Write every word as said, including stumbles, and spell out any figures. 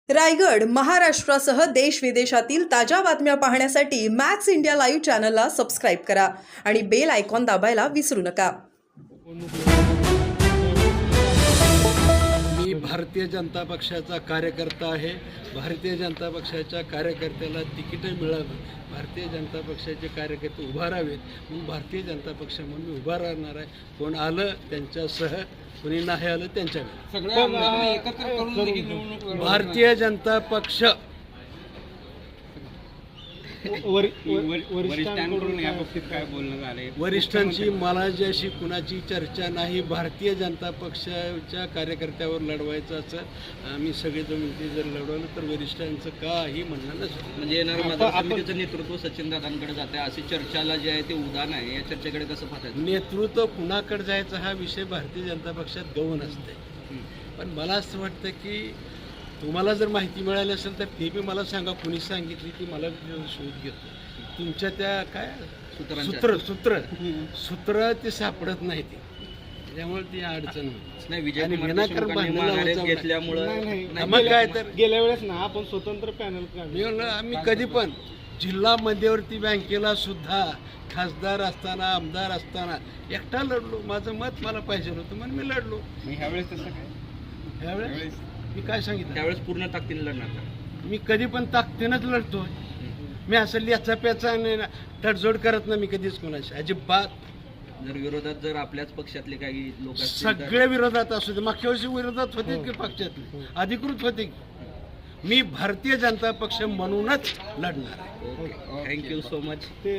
रायगड, महाराष्ट्रासह देश विदेशातील ताज्या बातम्या पाहण्यासाठी मॅक्स इंडिया लाईव्ह चॅनलला सबस्क्राईब करा आणि बेल आयकॉन दाबायला विसरू नका. मी भारतीय जनता पक्षाचा कार्यकर्ता आहे. भारतीय जनता पक्षाच्या कार्यकर्त्याला तिकीटं मिळावं, भारतीय जनता पक्षाचे कार्यकर्ते उभा राहावेत म्हणून भारतीय जनता पक्ष म्हणून मी उभा राहणार आहे. कोण आलं त्यांच्यासह, कोणी नाही आलं त्यांच्या एकत्र करून देखील निवडणूक भारतीय जनता पक्ष वरिष्ठांकडून या बाबतीत काय बोलणं झालंय? वरिष्ठांची मलाजाशी कुणाची चर्चा नाही. भारतीय जनता पक्षाच्या कार्यकर्त्यावर लढवायचं असं आम्ही सगळेजण मिळते जर लढवलं तर वरिष्ठांचं काही म्हणणं नसतं. म्हणजे येणारं मतदार समितीचं नेतृत्व सचिन दादांकडे जाते अशी चर्चाला जे आहे ते उदाहरण आहे. या चर्चेकडे कसं पाहताय? नेतृत्व कुणाकडे जायचं हा विषय भारतीय जनता पक्षात गौण असते. पण मला असं वाटतं की तुम्हाला जर माहिती मिळाली असेल तर ते बी मला सांगा, कुणी सांगितली ती मला शोध घेतो. तुमच्या त्या काय सूत्र सूत्र सूत्र ते सापडत नाही, ते त्यामुळे ती अडचण होती. नाही, विजय आणि कुमार विनाकारण देशमुखांनी भांडणं माघार लावायचं घेतल्यामुळं मग काय तर गेल्या वेळेस ना आपण स्वतंत्र पॅनल मी म्हणलं आम्ही कधी पण जिल्हा मध्यवर्ती बँकेला सुद्धा खासदार असताना, आमदार असताना एकटा लढलो. माझं मत मला पाहिजे होतं म्हणून मी लढलो. ह्यावेळेस तसं काय? ह्यावेळेस मी काय सांगितलं, त्यावेळेस पूर्ण ताकदीने लढणार. मी कधी पण ताकदीनंच लढतोय. मी असं लिहाचा प्याचा नाही ना, तडजोड करत नाही मी कधीच कोणाशी, अजिबात. जर विरोधात जर आपल्याच पक्षातले काही लोक सगळे विरोधात असू दे. मागच्या वर्षी विरोधात होते की पक्षातले अधिकृत होते की. मी भारतीय जनता पक्ष म्हणूनच लढणार आहे. Thank you so much.